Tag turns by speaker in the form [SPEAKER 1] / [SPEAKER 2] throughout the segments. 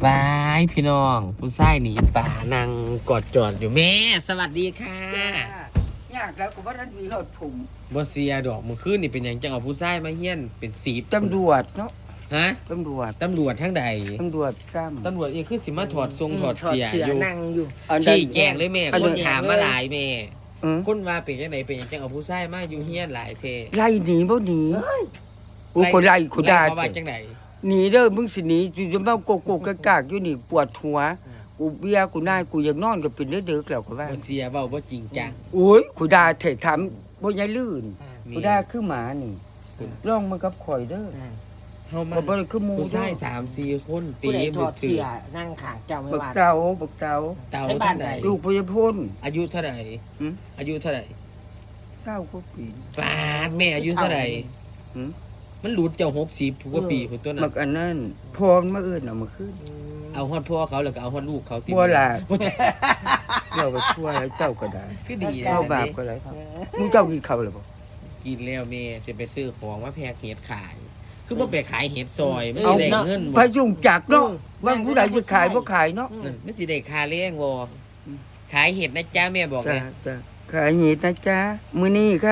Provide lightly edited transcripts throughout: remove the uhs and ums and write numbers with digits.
[SPEAKER 1] บายพี่น้องผู้ชายหนีป่านางกอดจอดอยู่แม่สวัสดีค่ะ
[SPEAKER 2] ยากแล้วก็ว่าท่านมีหอดผม
[SPEAKER 1] บ่เสียดอกมื้อคืนนี่เป็นหยังจังเอาผู้ชายมาเฮียนเป็น10
[SPEAKER 2] ตำรวจเนาะ
[SPEAKER 1] ฮะ
[SPEAKER 2] ตำรวจ
[SPEAKER 1] ตำรวจทั้งใด
[SPEAKER 2] ตำรวจกล้าม
[SPEAKER 1] ตำรวจเองคือสิมาถอดทรงถอดเสียอยู่
[SPEAKER 3] นั่งอยู่
[SPEAKER 1] ชี้แจงเลยแม่คนถามมาหลายแม่
[SPEAKER 2] อืม
[SPEAKER 1] คนว่าเป็นจังไดเป็นหยังจังเอาผู้ชายมาอยู่เฮียนหลายเท
[SPEAKER 2] ไล่หนีบ่หนีกูคนไล่กูด่า
[SPEAKER 1] เขาว่าจังได
[SPEAKER 2] หนีเด้อมึงสิหนีอยู่จะมาโกโก้กากๆอยู่นี่ปวดหัวกูเบียกูนายกูอยากนอนก็เป็นเด็กๆแล้วก็ว่า
[SPEAKER 1] บ่เสียเว้าบ่จริงจัง
[SPEAKER 2] โอ้ยกูด่าเถะถามบ่ยายลื่นกูด่าคือหมานี่ร้องมันกับข่อยเด้อ
[SPEAKER 1] เฮามา
[SPEAKER 2] ก็บ่ได้คือหมู่
[SPEAKER 1] ผู้
[SPEAKER 2] เด้
[SPEAKER 1] ชาย
[SPEAKER 2] อ
[SPEAKER 1] 3-4คนตี
[SPEAKER 3] ผู้ใดถ
[SPEAKER 1] มื
[SPEAKER 3] อ
[SPEAKER 1] อ
[SPEAKER 3] ด
[SPEAKER 1] ถื
[SPEAKER 3] เสี
[SPEAKER 1] อย
[SPEAKER 3] นั่งขางเจ้าไม่
[SPEAKER 2] บัก
[SPEAKER 3] ว่า
[SPEAKER 2] เตาบักเตา
[SPEAKER 1] เต่า
[SPEAKER 3] ให้บ้าน
[SPEAKER 1] เท่าใด
[SPEAKER 3] ใด
[SPEAKER 2] ลูกพยาพ้น
[SPEAKER 1] อายุเท่าใด
[SPEAKER 2] หืม
[SPEAKER 1] อายุเท่าใด
[SPEAKER 2] เศร้าก็ปี
[SPEAKER 1] ปาดแม่อายุเท่าไหร่
[SPEAKER 2] หืม
[SPEAKER 1] มันหลุดเจ้า60กว่าปีพุ่นตัวนั้
[SPEAKER 2] บั
[SPEAKER 1] น
[SPEAKER 2] กอันนั้นพรมาเอิ้นเอามาขึ้น
[SPEAKER 1] เอาฮอดพ่อเขาแล้วก็เอาฮอดลูกเขาติ
[SPEAKER 2] บัวล่ะ เราไปทั่วแล้วเจ้าก็ได้
[SPEAKER 1] คือดี
[SPEAKER 2] เจ้าบาปก็ได้ครับมึงเจ้ากินข้าวหรือเปล่า
[SPEAKER 1] กินแล้วแม่สิไปซื้อของมาแพกเห็ดขาย คือบ่ไปขายเห็ดซอยมัน
[SPEAKER 2] เอา
[SPEAKER 1] สิได้เงิน
[SPEAKER 2] พยุงจักรเนาะว่าผู้ใดจะขายบ่ขายเนาะ
[SPEAKER 1] นั่นมันสิได้ค่าเลี้ยงบ่ขายเห็ดนะจ๊ะแม่บอก
[SPEAKER 2] จ้า
[SPEAKER 1] เลย
[SPEAKER 2] จ้าขายเห็ดนะจ๊ะมื้อนี้ค่ะ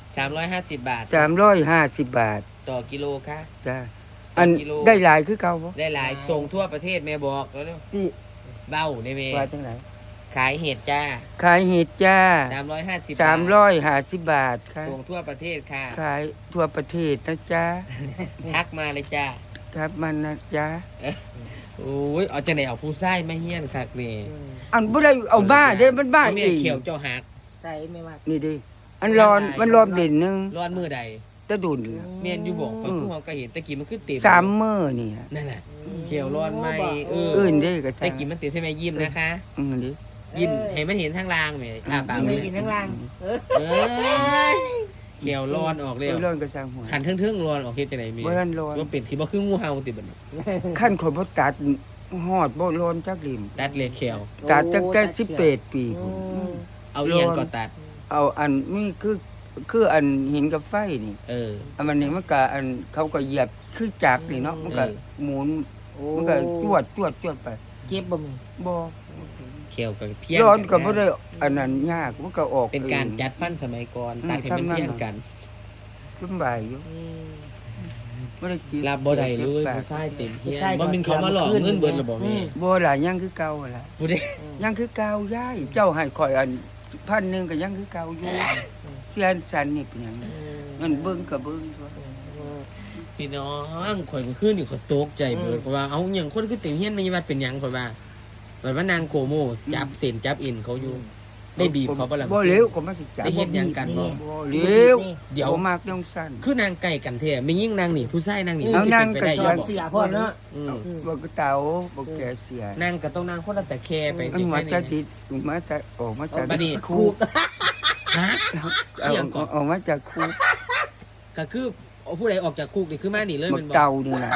[SPEAKER 1] 350 บาท
[SPEAKER 2] 350 บาท
[SPEAKER 1] ต่อกิโลค่ะ
[SPEAKER 2] จ้าอัน
[SPEAKER 1] กิโล
[SPEAKER 2] ได้หลายคือเก่าบ่
[SPEAKER 1] ได้หลายส่งทั่วประเทศแม่บอกแล้วเร็ว
[SPEAKER 2] พี่
[SPEAKER 1] เบ้าได้แม่
[SPEAKER 2] ว่าจังได๋
[SPEAKER 1] ขายเห็ดจ้า
[SPEAKER 2] ขายเห็ดจ้า
[SPEAKER 1] 350 บาท
[SPEAKER 2] 350 บาทค่ะ
[SPEAKER 1] ส่งทั่วประเทศค่ะ
[SPEAKER 2] ขายทั่วประเทศนะจ๊ะ
[SPEAKER 1] ทักมาเลยจ้า
[SPEAKER 2] ครับมันนะจ๊ะ
[SPEAKER 1] โอ้ยเอาจังได๋เอาผู้ชายมาเฮียนคักนี่
[SPEAKER 2] อันบ่ได้เอาบ้าเด้มันบ้า
[SPEAKER 1] แม่
[SPEAKER 2] เอง
[SPEAKER 1] เขียวเจ้าหัก
[SPEAKER 3] ใส่ไม่ว่า
[SPEAKER 2] นี่ดิอันร้อนมันร้อนเด่นหนึง
[SPEAKER 1] ร้อนมือใด
[SPEAKER 2] ตะดุน
[SPEAKER 1] เมียนอยู่บอกกับผู้เฮาก็เห็นตะกี้มันคือเต็ม
[SPEAKER 2] 3มื้อนี่ฮะ
[SPEAKER 1] นั่นน่ะเขียวร้อนไหมเออ
[SPEAKER 2] อื่นเด้ก็
[SPEAKER 1] ตะกี้มันเต็มใช่ไหมยิ้มนะคะ
[SPEAKER 2] ดิ
[SPEAKER 1] ยิ้มให้มันเห็นทางล่างแหมปาก
[SPEAKER 3] ไม่
[SPEAKER 1] เลย
[SPEAKER 3] กินข้างล่าง
[SPEAKER 1] เออเขียวร้อนออกเลย
[SPEAKER 2] ร้อนก็สร้างหัว
[SPEAKER 1] ขันทึ่งๆร้อนออกเฮ็ดจังได๋มี
[SPEAKER 2] บ่ทันร้อน
[SPEAKER 1] ว่าเป็นที่บ่คืองูเห่าติบัดนี้
[SPEAKER 2] ขั้นคนบ่ตัดฮอดบ่ร้อนจักริม
[SPEAKER 1] ตัดเลยเขียว
[SPEAKER 2] ตัดตั้งแต่18ปีพุ่น
[SPEAKER 1] เอาอีหยังก็ตัด
[SPEAKER 2] เอาอันนี้คืออันหินกับไฟนี่
[SPEAKER 1] เออ
[SPEAKER 2] อันมันนี่มันก็อันเขาก็เหยียบคือจักรนี่เนาะมันก็หมุนมันก็จวดไป
[SPEAKER 3] เจ็บบ่มี
[SPEAKER 2] บ่
[SPEAKER 1] เขียวกับเพี้ยน
[SPEAKER 2] ร้อนก็บ่ได้อันนั้นยากมันก็ออก
[SPEAKER 1] เป็นการ
[SPEAKER 2] อง
[SPEAKER 1] จัดฟันสมัยก่อนตัดให้มันเพี้ยนกัน
[SPEAKER 2] ลำบากอยู่บ่ได้กิน
[SPEAKER 1] รับบ่ได้เลยผู้ชายเต็มเพี้ยนบ่แม่นเขามาหลอกเงินเบิดแล้วบ่แม่
[SPEAKER 2] บ่ล่ะยังคือเก่าล่ะ
[SPEAKER 1] ผู้ใด
[SPEAKER 2] ยังคือเก่ายายเจ้าให้ข่อยอัน1,000ก็ยังคือเก่าอยู่เพียนสันนี่เป็นหยังมันเบิ่งก็เบิ่งตัว
[SPEAKER 1] พี่น้องข่อยเมื่อคืนนี่ข่อยตกใจเบิดเพราะว่าเอาหยังคนคือเต็มเฮียนมีวัดเป็นหยังข่อยว่าบัดว่านางโกโมจับเส้นจับเอ็นเขาอยู่ ได้บีบเขาบ่ล่ะ
[SPEAKER 2] บ่เร็วก็มาสิจับ
[SPEAKER 1] ได้เฮ็ดหยังกันบ่
[SPEAKER 2] บ่เร็ว
[SPEAKER 1] เดี๋ยว
[SPEAKER 2] บ่มากต้องสั้น
[SPEAKER 1] คือนางไก่กันแท้ไม่ยิ่งนางนี่ผู้ชายนางนี่
[SPEAKER 2] เอา
[SPEAKER 1] สิ
[SPEAKER 2] นาง
[SPEAKER 1] เป็นไปได้
[SPEAKER 2] ก็
[SPEAKER 1] อยู่
[SPEAKER 2] ยัง
[SPEAKER 1] บ่
[SPEAKER 3] เสียพ่อเนาะ
[SPEAKER 1] อืม
[SPEAKER 2] บ่ก็เตาบ่แก่เสีย
[SPEAKER 1] นางก็ต้องนางคนละแต่แค่ไป
[SPEAKER 2] มัน
[SPEAKER 1] สิ
[SPEAKER 2] มา
[SPEAKER 1] แค่
[SPEAKER 2] จะ
[SPEAKER 1] นี้
[SPEAKER 2] ติดมาจะออกมาจาก
[SPEAKER 1] บัดนี้
[SPEAKER 2] คุก
[SPEAKER 1] ฮะ
[SPEAKER 2] เอา
[SPEAKER 1] เรื่องก่อน
[SPEAKER 2] ออกมาจากคุก
[SPEAKER 1] ก็คือเอาผู้ใดออกจากคุกนี่คือมานี่เลย
[SPEAKER 2] บั
[SPEAKER 1] แมัน
[SPEAKER 2] ก
[SPEAKER 1] บ่
[SPEAKER 2] เตานี่ล่ะ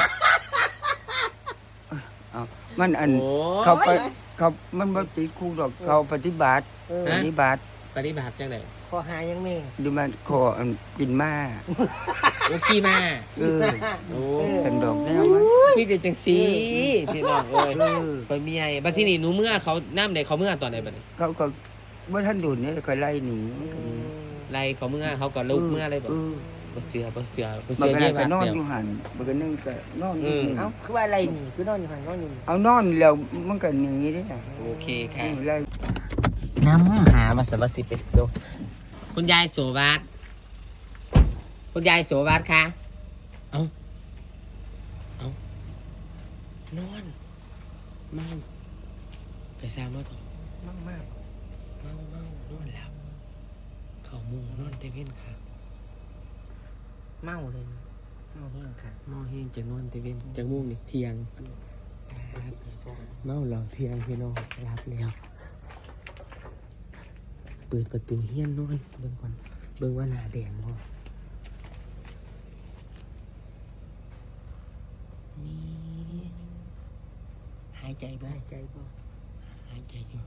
[SPEAKER 2] เอามันอัน
[SPEAKER 1] โอ้
[SPEAKER 2] เขาไปเขามันบ่ติดคุกดอกเขาปฏิบัติ
[SPEAKER 1] ฮะ
[SPEAKER 2] ปฏิบัติ
[SPEAKER 1] ปฏิบัติจังได๋
[SPEAKER 3] ขอหายังแม่
[SPEAKER 2] ดูมันขออันกินมา
[SPEAKER 1] โอ้ขี้มา
[SPEAKER 2] เออ
[SPEAKER 1] โอ้
[SPEAKER 2] สันดอกแนวมัน
[SPEAKER 1] พี่จะจังซี่พี่น้องเอ้ย
[SPEAKER 2] เออ
[SPEAKER 1] ไปเมียบัดที่นี่หนูเมื่อเขาน้ำใดเขาเมื่อตอนใดบัดนี้
[SPEAKER 2] เขาก็บ่ทันดุนนี่ก็ไล่หนี
[SPEAKER 1] ไล่เขาเมื่อเขาก็ลุกเมื่อเลยบ่
[SPEAKER 2] เออ
[SPEAKER 1] บ่เสือบ่เสือบ่
[SPEAKER 2] มั
[SPEAKER 1] เสื
[SPEAKER 2] น
[SPEAKER 1] อ
[SPEAKER 2] ก็
[SPEAKER 1] เยี่
[SPEAKER 2] ได้
[SPEAKER 1] ยม
[SPEAKER 2] ก็นอน
[SPEAKER 1] เดียว
[SPEAKER 2] อยู่หันมันก็นึงก็นอนอยู่
[SPEAKER 1] อืม
[SPEAKER 2] นี่
[SPEAKER 3] เอ้าคือว่าอะไรนี่คือนอนอยู่หันนอนอยู่นี่
[SPEAKER 2] เอานอนแล้วมันก็หนีเด้น่ะ
[SPEAKER 1] โอเคค่ะ
[SPEAKER 2] ไล่
[SPEAKER 1] น้ำหามาสวัสดิเป็นโซคุณยายโสวัสดคุณยายโสวัสดคะเอานอนเมาไปซามาถอะ
[SPEAKER 2] มาก
[SPEAKER 1] เมานอนหลับเขามุงนอนเตเว่นค่ะ
[SPEAKER 3] เมาเลยเมาแห้งค่ะ
[SPEAKER 1] เมาเฮงจะนอนเตเว่นจะมุ่งนี่เที่ยงเมาเหล่าเที่ยงพี่น้องรับแล้วเปิดประตูเฮี้ยนน้อยเบิ่งก่อนเบิ่งว่าหน้าแดงบ่นี่หายใจบ่
[SPEAKER 3] หายใจบ่
[SPEAKER 1] หายใจอยู่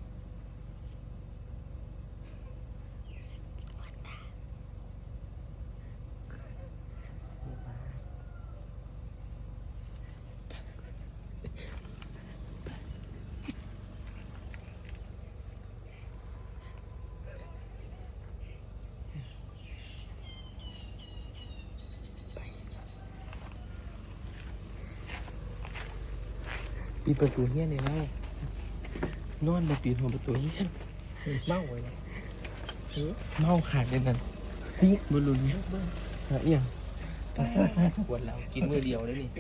[SPEAKER 1] ปิดประตูเฮี้ยนเลยแล้วนอนมาปิดหัวประตูเฮี้ยน
[SPEAKER 3] เมาเลย
[SPEAKER 1] เมาขาดเลยนั่นนี่บนรุนเนี่ยหาเอี่ยงปวดเรากินมือเดียวเลยนี่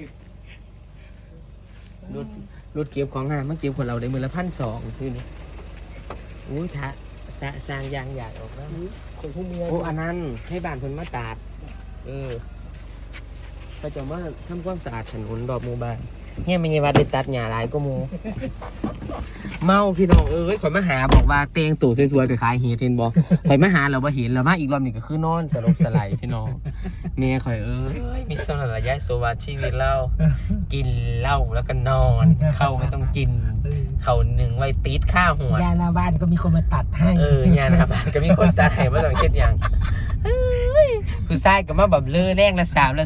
[SPEAKER 1] รถเก็บของงานมาเก็บของเราได้มือละ1,200คือนี่อุ้ยทะสร้างยางอยากออกแล้ว
[SPEAKER 3] คนผู้เมีย
[SPEAKER 1] โอ้อันนั้นให้บ้านเพิ่นมาตัดก็จะมาทำความสะอาดถนนรอบหมู่บ้านเนี่ยไม่ใช่ว่าได้ตัดหญ้าหลายก็มู เมาพี่น้องข่อยมาหาบอกว่าเตงตู่สวยๆไปขายเห็ดเห็นบ่ ข่อยมาหาเราบ่เห็นเรามาอีกรอบนี่ก็คือนอนสลบสลายพี่น้องเมียข่อยมีสนระยะโซวาชีวิตเรากินเหล้าแล้วก็นอนเข้าไม่ต้องกินเข้าหนึ่งไว้ติดข้าหัวย
[SPEAKER 3] าหน้าบ้านก็มีคนมาตัดให้
[SPEAKER 1] ยาหน้าบ้านก็มีคนตายบ่ต้องคิดหยังคือทรายก็มาแบบเลือแรงละ3ละ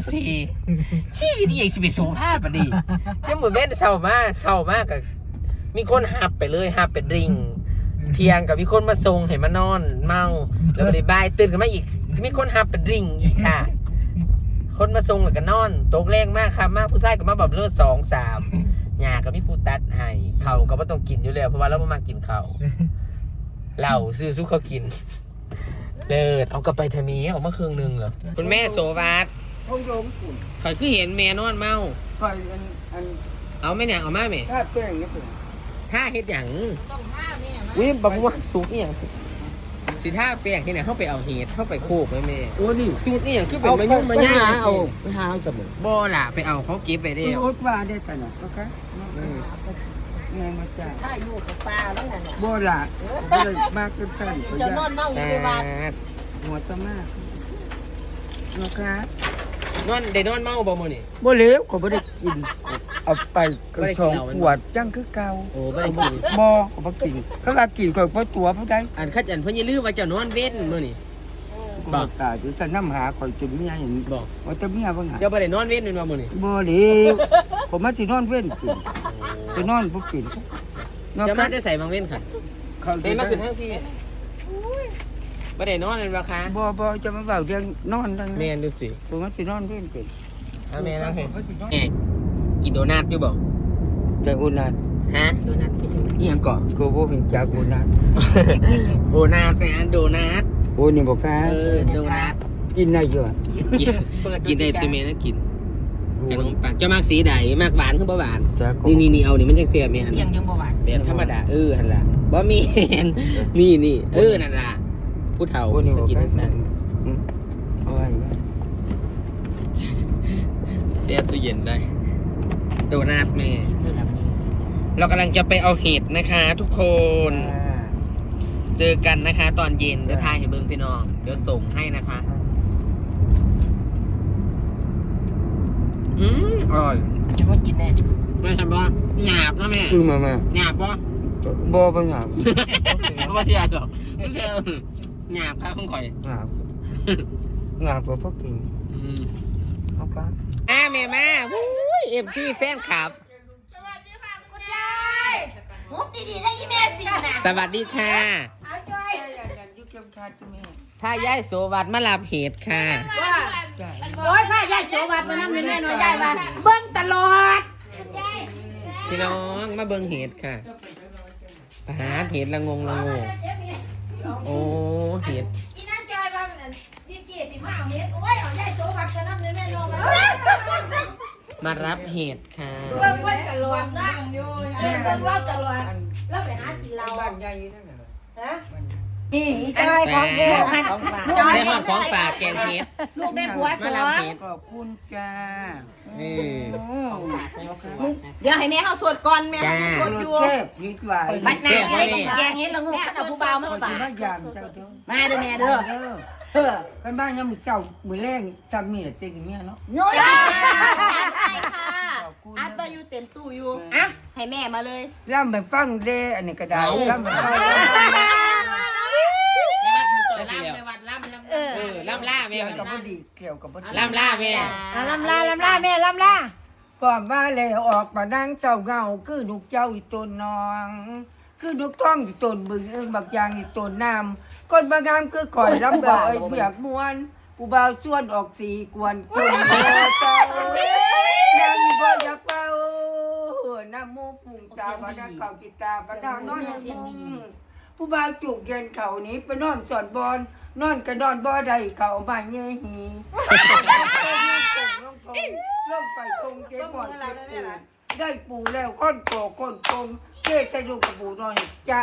[SPEAKER 1] 4ชีวิตอีกสิไปสูงภาพปะดิยังมื้อแม่นเศร้ามากก็มีคนหับไปเลยหับไปดริงเที่ยงกับมีคนมาส่งให้มานอนเมาแล้วบ่ได้บายตื่นขึ้นมาอีกมีคนหับไปดริงอีกค่ะ คนมาส่งแล้วก็นอนตกแรงมากครับมากผู้ชายก็มาแบบเลือ2 3หญ้าก็มีผู้ตัดให้ข้าวก็บ่ต้องกินอยู่แล้วเพราะว่าเราบ่มากินข้าวเหล้าซื้อซุเขากินเลิศเอากลับไปทามีออกมาครึ่งนึงเหรอคุณแม่โสวัสดิ์
[SPEAKER 2] ห้องโยมคุณ
[SPEAKER 1] ข่อยคือเห็นแม่นอนเมา
[SPEAKER 2] คอยอัน
[SPEAKER 1] เอาแม่เนี่ยเอามาแม่
[SPEAKER 2] ถ้าแป้งนี่เป็น
[SPEAKER 1] ท่าเฮ็ดหยังอุ้ยบอกว่าสุกนี่หยังสิท่าแป้งที่ไหนเข้าไปเอาเห็ดเข้าไปโคกแม่แม่
[SPEAKER 2] โอ้นี่
[SPEAKER 1] สูตรนี่หยังคือเป็นมะยุ่งมะย่าง
[SPEAKER 2] เอาไปหาเอาจะหมด
[SPEAKER 1] บ่ล่ะไปเอาเขาเก็บไปได้
[SPEAKER 2] โอ๊ตว่าได้จังนะโอเคไงมาจ้า
[SPEAKER 3] ใช่อยู่กับปลาแล้วไงเนี่ย
[SPEAKER 2] โบราณก็เลยมากขึ้นสั้นก็
[SPEAKER 3] จะ
[SPEAKER 2] ยาน
[SPEAKER 3] อนเมาอยู่ในบ้าน
[SPEAKER 2] หัวตะมากนะครับ
[SPEAKER 1] นอนได้นอนเมาบ่มื้อนี่
[SPEAKER 2] บ่เหลวก็บ่ได้กินเอาไปกระชองขวดจังคือเก่า
[SPEAKER 1] โอ้บ่ได้กิน
[SPEAKER 2] บ่ก็บ่กินเขาว่ากินก็บ่ตัวผู้ใด
[SPEAKER 1] อันคัดอันเพิ่นอย่าลืมว่าเจ้านอนเว้นมื้อนี่
[SPEAKER 2] บ่ตายจะนำหาข่อยจนเมียเห็น
[SPEAKER 1] บอก
[SPEAKER 2] ว่าแต่เมียบ่หา
[SPEAKER 1] เจ้าบ่ได้นอนเว้นแม่นบ่มื้อนี่
[SPEAKER 2] บ่เหลวผมมาสินอนเว้นกินสินอนบ่กิน
[SPEAKER 1] เจ้ามาได้ใส่บางเว้นค่ะ
[SPEAKER 2] เขา
[SPEAKER 1] เว้นมาขึ้นทางพี่บ่ได้นอนแม่นบ่คะ
[SPEAKER 2] บ่จะมาเว้าเรื่องนอนนั่น
[SPEAKER 1] แม่นดูสิ
[SPEAKER 2] ผมมาสินอนเว้นกิน
[SPEAKER 1] เอาแม่นั่งเห็นแอกกินโดนัทอยู่บ่
[SPEAKER 2] แต่อุนัท
[SPEAKER 1] ฮะ
[SPEAKER 3] โดนัทไปถึง
[SPEAKER 1] อีหยังเกาะ
[SPEAKER 2] ก็บ่เห็นจากอุนัท
[SPEAKER 1] โดนัทนะโดนัท
[SPEAKER 2] โอ้นี่บ่ค่ะ
[SPEAKER 1] โดนัท
[SPEAKER 2] กินได้อยู่อะ
[SPEAKER 1] กินได้ตัวเมย์นะกินขนมปังเจ้ามากสีใดมากหวานคือบ่หวาน
[SPEAKER 2] จ้าก็
[SPEAKER 1] นี่เอานี่มันจังเสียแม่น
[SPEAKER 3] เที่ยงยังบ่หวาน
[SPEAKER 1] แบบธรรมดาหั่นล่ะบ่มีนี่นั่นล่ะผู้เฒ่า
[SPEAKER 2] โอ้นี่
[SPEAKER 1] จะ
[SPEAKER 2] บ่
[SPEAKER 1] กิน
[SPEAKER 2] ค่ะ
[SPEAKER 1] จังซั่น
[SPEAKER 2] เอาไว้ไว้
[SPEAKER 1] เสียตู้เย็นได้โดนัทแม่
[SPEAKER 3] ระดับนี้
[SPEAKER 1] เรากำลังจะไปเอาเห็ดนะคะ ทุกคน เจอกันนะคะ ตอนเย็นเดี๋ยวทายให้เบิ่งพี่น้อง เดี๋ยวส่งให้นะคะอร่อย
[SPEAKER 3] จะมากินแน่
[SPEAKER 1] แม่ทำบ่หยาบนะแม่
[SPEAKER 2] คือมา
[SPEAKER 1] หยาบบ่
[SPEAKER 2] บ่หยาบ
[SPEAKER 1] บ่เสียดอกไม่ใช่หยาบครับของข่อย
[SPEAKER 2] หยาบหยาบบ่พอกินเอาค่ะ
[SPEAKER 1] แม่มาอุ้ย FC แฟนคลับ
[SPEAKER 4] สวัสดีค่ะคุณยายมุกดีๆได้อีเมลสินะ
[SPEAKER 1] สวัสดีค่ะ
[SPEAKER 4] เอาจอย
[SPEAKER 2] อยู่เก็บคาดแม่
[SPEAKER 1] ถ้ายายโสวัสดิ์มารับเห็ดค่ะ
[SPEAKER 4] ว่าโอ้ยพ่อยายโสวัสดิ์มานั่งในแม่น้อยยายว่าเบิ้งตลอดยาย
[SPEAKER 1] พี่น้องมาเบิ่งเห็ดค่ะหาเห็ดละงงโอ้เห็ด
[SPEAKER 4] อีนั่นจอยว่าพี่เกียรติมาเอาเฮ็ดโอ้ยเอายายโสวัสดิ์มานั่งในแม่น้อย
[SPEAKER 1] มารับเห็ดค่ะ
[SPEAKER 4] เบิ้งไว้ตลอดนะเบิ้งเราตลอดแล้วไปหากินเรา
[SPEAKER 2] บ้านใหญ่อยู่นั่นน่ะ
[SPEAKER 4] ฮะนี่จอยของเด็ก
[SPEAKER 1] ได้หอดของฝากแกงเห็ด
[SPEAKER 4] ลูกได้ผัวส
[SPEAKER 1] มา
[SPEAKER 4] อ
[SPEAKER 1] รับ
[SPEAKER 4] ง
[SPEAKER 1] เห็ด
[SPEAKER 2] ขอบคุณจ้า
[SPEAKER 4] เดี๋ยวให้แม่เขาสวดก่อนแม่เขาสวดอยู่
[SPEAKER 2] แซ่บดีกว่า
[SPEAKER 4] บัดหน้าใส่แกงเฮ็ดละงูก็เอาผู้เบามา
[SPEAKER 2] ขอ
[SPEAKER 4] ฝา
[SPEAKER 2] สิ
[SPEAKER 4] ก
[SPEAKER 2] มายามเจ้าเด้อ
[SPEAKER 4] มาเด้อแม่เด้อเออ
[SPEAKER 2] กันบ้านยังมื้อเช้ามื้อแรงจำมีแต่เจ๊กับเมียเนาะ
[SPEAKER 4] โน้ย
[SPEAKER 5] ใช่ค่ะอัดไปอยู่เต็มตู้อยู่
[SPEAKER 4] อ่ะ
[SPEAKER 5] ให้แม่มาเลย
[SPEAKER 2] ล่ำไปฟังเด้อันนี้ก็ได้ล่ำไปฟัง
[SPEAKER 1] ได้สิแล้ว
[SPEAKER 4] เออ
[SPEAKER 1] ล่ำล่าแม่
[SPEAKER 2] เกี่ยว
[SPEAKER 1] วัน
[SPEAKER 2] กับ
[SPEAKER 1] นี้
[SPEAKER 2] บ่ดีเกี่ยวกับบ่ดี
[SPEAKER 1] ล่ำล่าแม่
[SPEAKER 4] ลำลาแม่ลำลา
[SPEAKER 2] ก่อนว่าแล้วออกมานั่งเจ้าเงาคือลูกเจ้าอีตนน้อง คือลูกท้องอีตนบึงบักยางอีตนน้ำคนบางงามคือข่อยลำเบาไอ้เบียกมวนผู้บ่าวชวนออกสีกวนคนเดียวเจ้ายังบ่อยากเป่าน้ำมูกฝุ่งตาบาดาเข่ากิตาบาดานอนมุงผู้บ่าวจุกเย็นเข่านี้ไปนอนสอนบอลนอนกระดอนบ่อใดเข่ามาเยื่อหีลงทงลงไปทงเก็บหมอนเก็บปูได้ปูแล้วก้นโกก้นกงเจ๊ใส่ลูกกระปูนอนจะ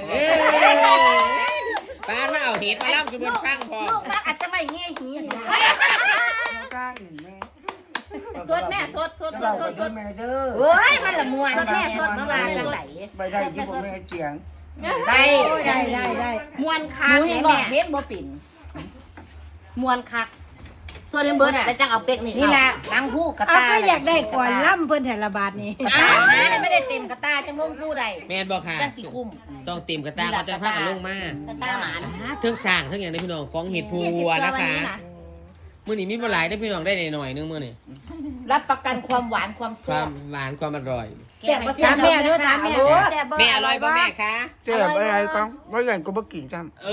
[SPEAKER 1] ป้าถ้าเอาเห็ดมาล่ำจุบนฟังพอ
[SPEAKER 5] ลูกอาจจะไม่เงี้ยหีนี่
[SPEAKER 2] ก้างหนึ่งแม่
[SPEAKER 5] สดแม่สด
[SPEAKER 2] แม่เด้อ
[SPEAKER 5] เฮ้ยมันละมวนสดแม่สดมาจังไหน
[SPEAKER 2] ไปได้ที่ผมแม่เสียง
[SPEAKER 5] ได้มวนคักแม่เฮ็ดบ่ปิ่นมวนคักส่วนเบิร์ดแต่จังเอาเป็กนี่แหละล้างหูกระ
[SPEAKER 4] เอา
[SPEAKER 5] ตา
[SPEAKER 4] ก็อยากได้ก่อนล่ำเพิ่นแต่ละบาทนี่
[SPEAKER 5] ไม่ได้เต็มกระตาจังลงคู่ใด
[SPEAKER 1] แม่นบอกค่ะ
[SPEAKER 5] จังสิคุ้ม
[SPEAKER 1] ต้องเต็มกระตาเขาจะพากันลงมาก
[SPEAKER 5] ระตาหมาน
[SPEAKER 1] เทิงสร้างเทิงอย่างนี้พี่น้องของเห็ดพัวนะคะมื้อนี้มีบ่หลายได้พี่น้องได้หน่อยนึงมื้อนี้
[SPEAKER 5] รับประกันความหวานความ
[SPEAKER 1] ค
[SPEAKER 5] แซ่
[SPEAKER 1] วา
[SPEAKER 5] บ
[SPEAKER 1] มหวานความอร่อย
[SPEAKER 5] แซ่บบ่แซ่บแม่ด้วยถามแม่
[SPEAKER 1] แม่อร่อยป่ะแม่คะ
[SPEAKER 2] เจ็บอะไรก็ไม่ใหญ่ก็บ่กินซ้ำ
[SPEAKER 1] เอ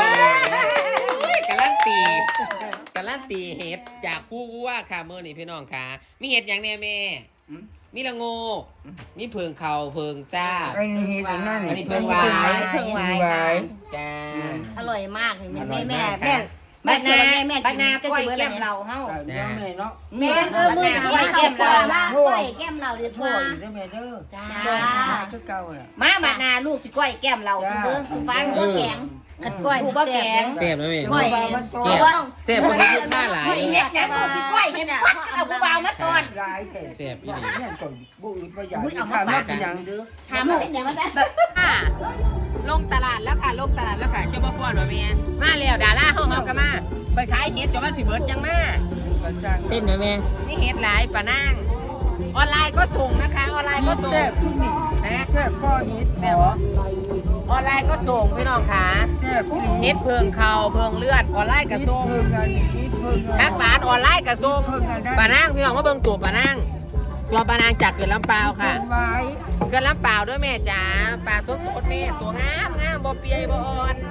[SPEAKER 1] การันตีเห็ดจากผู้ว่าค่ะมื้อนี้พี่น้องค่ะมีเห็ดอย่างแน่แม่มีละโงมีเพิงเข่าเพิงจ้า
[SPEAKER 2] ไอ้นี่นั่น
[SPEAKER 1] อันนี้เพิ่งไว้
[SPEAKER 5] เพิ่งไว้
[SPEAKER 1] จ้า
[SPEAKER 5] อร่อยมากนี่แม่บ้านนาก้อยแก้มเราเฮา
[SPEAKER 2] เดี๋ยวแม่เนาะ
[SPEAKER 5] แม่มือก้อยแก้มเราก้อยแก้มเราเดี๋ยว
[SPEAKER 2] พ่อ
[SPEAKER 5] มา
[SPEAKER 2] อยู่ด้วยแม่เด้อ
[SPEAKER 5] จ้า
[SPEAKER 2] คือเก่าอ่ะ
[SPEAKER 5] มาบ้านนาลูกสิก้อยแก้มเราเบิ่งฟ้าเบิ่งแกงขัดก้อยบ่แกง
[SPEAKER 1] เสียบแล้วแม่
[SPEAKER 5] ก้อย
[SPEAKER 1] เสียบคนนี้ลูกค้าหลาย
[SPEAKER 5] เฮ็ดหยังสิก้อยเฮ็ดปัดเอาผู้บ่าวมาตอน
[SPEAKER 2] ร้ายแต่
[SPEAKER 1] เสียบอีหลี
[SPEAKER 2] เนี่ยก่อนบุญประหยัด
[SPEAKER 5] เอามาฝากกันยังถามเป็นหยังมันได้
[SPEAKER 1] ลงตลาดแล้วค่ะลงตลาดแล้วค่ะเจ้าบ่ฟ้อนบ่แม่มาแล้วดาราเฮาก็มาไปขายเห็ดจนว่าสิเบิดจังมา
[SPEAKER 2] ก็จ้าง
[SPEAKER 1] เป็นแม่มีเห็ดหลายปะนางออนไลน์ก็ส่งนะคะออนไลน์ก็ส่ง
[SPEAKER 2] แซ่บทุกนี่
[SPEAKER 1] นะ
[SPEAKER 2] แซ่บก้อนนิด
[SPEAKER 1] แซ่บบ่ออนไลน์ก็ส่งพี่น้องค่ะ
[SPEAKER 2] แซ่บทุก
[SPEAKER 1] เห็ดเพิงเข่าเพิงเลือดออนไลน์ก็ส่ง
[SPEAKER 2] เพิ่งกันนิดเพิ่ง
[SPEAKER 1] ทักหลานออนไลน์ก็ส่งปะนางพี่น้องมาเบิ่งตัวปะนางตัวปะนางจากเกิดลำปาวค่ะ
[SPEAKER 2] ไว้
[SPEAKER 1] เกิดลำปาวด้วยแม่จ๋าปลาสดๆแม่ตัวงามบ่เปียบ่อ่อน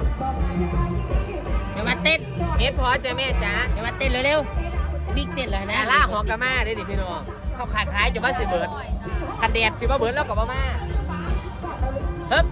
[SPEAKER 1] เดี๋ยวมาเต้นเฮ็ดพอจ้ะแม่จ๋าเดี๋ยวมาเต้นเร็วๆบิ๊กเต้นเลยนะล่าหอกกะมาได้ดิพี่น้องเขาขายจนว่าสิเบิดคันแดดสิว่าเบิดแล้วก็บ่มาเฮ้บ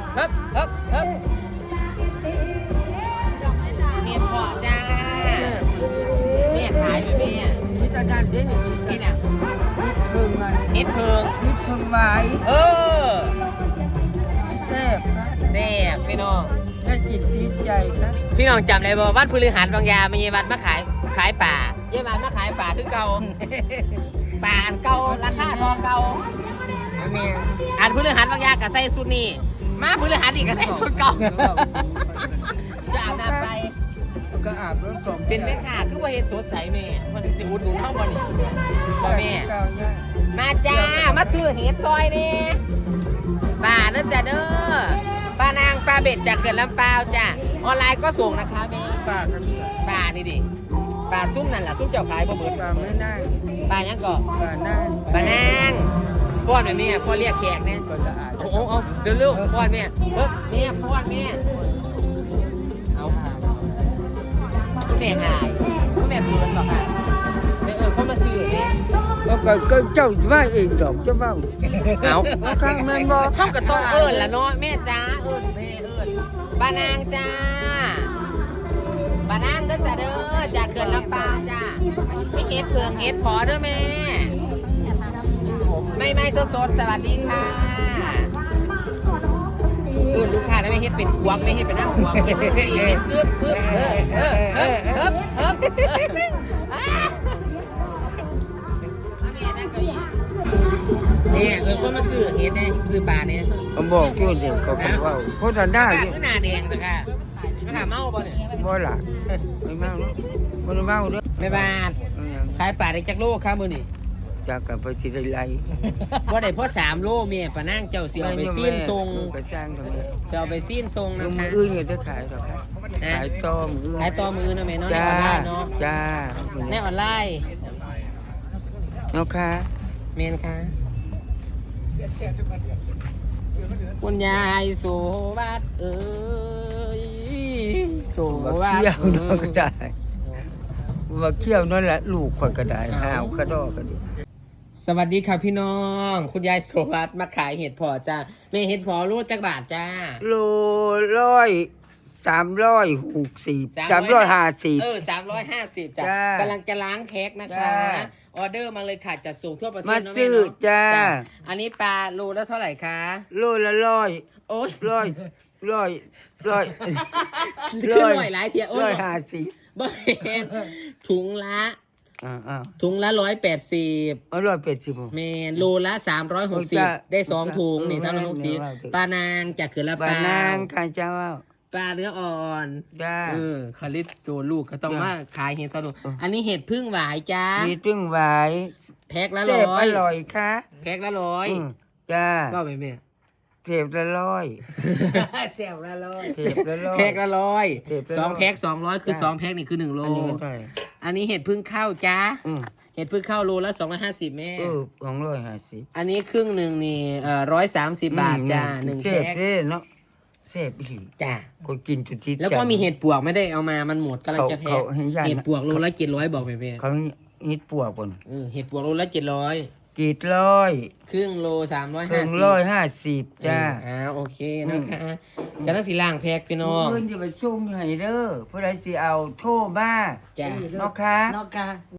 [SPEAKER 1] เฮ็ดพอจ้าแม่ขายไปแม่
[SPEAKER 2] นี่จะดันเด้นี่
[SPEAKER 1] เฮ็ดอ่ะ
[SPEAKER 2] เพิ่งกัน
[SPEAKER 1] เฮ็ดเพิง
[SPEAKER 2] นิดเพิ่งไว้
[SPEAKER 1] เออ
[SPEAKER 2] แซ่บนะ
[SPEAKER 1] แซ่บพี่น้อง
[SPEAKER 2] ได้จิตติดใจนะ
[SPEAKER 1] พี่น้องจำได้บ่วัดพฤหัสบางยามีวัดมาขายป่าเยี่ยวันมาขายป่าคือเก่า ป่าอันเก่าราคาทองเก่าแม่อันพฤหัสบางยาก็ใส่ชุดนี้มาพฤหัสอีกก็ใส่ชุดเก่าจะอาบน้ำไป
[SPEAKER 2] ก็อาบน้ำสอง
[SPEAKER 1] เป็นแม่ค้าคือว่าเฮ็ดสดใสแม่มันสิอุดหนุนเฮาบ่นี่บ่แม่ มาจ้ามาซื้อเห็ดซอยนี่ป่าเด้อจ้าเด้อป้านางปลาเบ็ดจากเขื่อนลำปาวจ้าออนไลน์ก็ส่งนะคะแม่
[SPEAKER 2] ปากกัน
[SPEAKER 1] ปลานี่ดิปลาซุ้มนั่นแหละซุ้มเจ้าขายบ่เบิด
[SPEAKER 2] ปากไม่ได้
[SPEAKER 1] ปลายังก่อ
[SPEAKER 2] ปากหน้า
[SPEAKER 1] ปลานางป้อนแม่ป้อนเรียกแขกเนี่ย
[SPEAKER 2] ก็จะอาบ
[SPEAKER 1] เอาเดี๋ยวลูกป้อนแม่เฮ้ยแม่ป้อนแม่เอาคุณแม่หายคุณแม่เขินหรอค่ะแม่เขามาซื้อเนี่ย
[SPEAKER 2] แล้วก็เจ้าว่าเองดอกเจ้าว่า
[SPEAKER 1] เอา
[SPEAKER 2] ข้างแม่นบ่
[SPEAKER 1] เท่ากับต้องเอิญละเนาะแม่จ้าเอิญแม่เอิญป้านางจ้าป้านางเด้อจ้าเด้อจากเขื่อนลำปางจ้าไม่เฮ็ดเพืองเฮ็ดพอเด้อแม่ไม่สดๆสวัสดีค่ะลูกค้าแล้วไม่เฮ็ดเป็นควงไม่เฮ็ดเป็นนั่งควงเฮ็ดเป็นสี่เฮ็ดปึ๊บเนี่ยคนมาซื้อเฮ็ดเนี่ยซื้อปลาเนี่ย
[SPEAKER 2] ผมบอกอยู่เด็กก็ว่าโคตรได้อยู่
[SPEAKER 1] หน้าแดงแต่ค่ะไม่ขาเมาป่ะเนี่ย
[SPEAKER 2] บ่ล่ะไม่เมาเนาะบ่ได้เมาเด้อ
[SPEAKER 1] ไม่บาดขายปลาได้จักโลครับมื้อนี้
[SPEAKER 2] จากกันไปสิได้ไล่
[SPEAKER 1] บ่ได้เพราะ3โลแม่ปลานั่งเจ้าสิเอาไปซีนทรง
[SPEAKER 2] ก็สร้างทำไม
[SPEAKER 1] เจ้าเอาไปซีนทรง
[SPEAKER 2] มื
[SPEAKER 1] นะคะ
[SPEAKER 2] ออื่นก็จะขายหรอกครับขายต้มอื่น
[SPEAKER 1] ขายต่อมือนะแม่เนาะใน
[SPEAKER 2] จ้า
[SPEAKER 1] ออนไลน์เนาะ
[SPEAKER 2] จ้า
[SPEAKER 1] ในออนไลน์
[SPEAKER 2] เนาะค่ะ
[SPEAKER 1] แม่นค่ะคุณยายโสวัสดิ์เอ้ยโส
[SPEAKER 2] ว่า
[SPEAKER 1] วัส
[SPEAKER 2] เที่ยว
[SPEAKER 1] ดิ์
[SPEAKER 2] เนาะก็ได้ว่าเที่ยวนั่นแหละลูกข่อยก็ได้หาวกระดอกก็ดี
[SPEAKER 1] สสวัสดีค่ะพี่น้อง คุณยายโสวัสดิ์มาขายเห็ดเพอจ้าแม่เห็ดเพอรู้จักบาทจ้า
[SPEAKER 2] โล360 350
[SPEAKER 1] 350จ้ะ
[SPEAKER 2] จ้าก
[SPEAKER 1] ำลังจะล้างแพ็คนะคะ
[SPEAKER 2] จ้า
[SPEAKER 1] ออเดอร์มาเลยค่ะจัดส่งทั่วประเทศ
[SPEAKER 2] มา
[SPEAKER 1] เนะ
[SPEAKER 2] ซื้อ
[SPEAKER 1] แม่เนาะ
[SPEAKER 2] จ้า
[SPEAKER 1] อันนี้ปลาโลละเท่าไหร่คะ
[SPEAKER 2] โลละ100
[SPEAKER 1] โอ้ย
[SPEAKER 2] ร้อย
[SPEAKER 1] ขึ้นหน่อยหลายเทียโอ้ย
[SPEAKER 2] 150
[SPEAKER 1] บ่เห็นถุงละ ถุงละ180
[SPEAKER 2] 180
[SPEAKER 1] เมนโลละ
[SPEAKER 2] จ้ะ
[SPEAKER 1] 360ได้2ถุงนี่
[SPEAKER 2] จ้ะ
[SPEAKER 1] 360ปลานางจากเขื่อนละ
[SPEAKER 2] ปานางข้าเจ้า
[SPEAKER 1] ปลาเนื้ออ่อน
[SPEAKER 2] จ้า
[SPEAKER 1] คาริสตัวลูกก็ต้อง
[SPEAKER 2] จ้ะ
[SPEAKER 1] มาขายเห็ดสนุกอันนี้เห็ดพึ่งหวายจ้า
[SPEAKER 2] มีตึ้งหวาย
[SPEAKER 1] แพ็คละ
[SPEAKER 2] เสพ
[SPEAKER 1] 100
[SPEAKER 2] อร่อยค่ะ
[SPEAKER 1] แพ็คละ100
[SPEAKER 2] จ้า
[SPEAKER 1] ก็ไปแม่
[SPEAKER 2] เสพละร้อย
[SPEAKER 4] แซวละเลย
[SPEAKER 2] เสพละร้อย
[SPEAKER 1] แพ็คละ100
[SPEAKER 2] แพ็คละ
[SPEAKER 1] สอง
[SPEAKER 2] 100
[SPEAKER 1] แพ็ค200คือ
[SPEAKER 2] จ้ะ
[SPEAKER 1] 2แพ็คนี่คือ1โล
[SPEAKER 2] อันนี้มันเท่าไหร่
[SPEAKER 1] อันนี้เห็ดพึ่งข้าวจ้า
[SPEAKER 2] อืม
[SPEAKER 1] เห็ดพึ่งข้าวโลละ250แม่
[SPEAKER 2] 250
[SPEAKER 1] อันนี้ครึ่งหนึ่งนี่130 บาทจ้า1
[SPEAKER 2] เสพ
[SPEAKER 1] แพ็ค
[SPEAKER 2] เด้เนาะเสพอีหลี
[SPEAKER 1] จ้า
[SPEAKER 2] ก็กินจุดที่
[SPEAKER 1] แล้วก็มีเห็ดปวกไม่ได้เอามามันหมดกำลังจะแพ็ค
[SPEAKER 2] เขาให้ย่าน
[SPEAKER 1] เห็ดปวกโลละ700บอกแม่
[SPEAKER 2] เขานิดปวกก่อน
[SPEAKER 1] เห็ดปวกโลละ700
[SPEAKER 2] 700
[SPEAKER 1] ครึ่งโล
[SPEAKER 2] เพิ่ง
[SPEAKER 1] 350
[SPEAKER 2] 150จ้า
[SPEAKER 1] โอเคนะคะจะต้องสีล่างแพ็คพี่น้อง
[SPEAKER 2] เพิ่นจะไปซุ่มให้เด้อผู้ใดสิเอาโทรมา
[SPEAKER 1] จ้า
[SPEAKER 2] เนาะค่ะ
[SPEAKER 4] นอกกา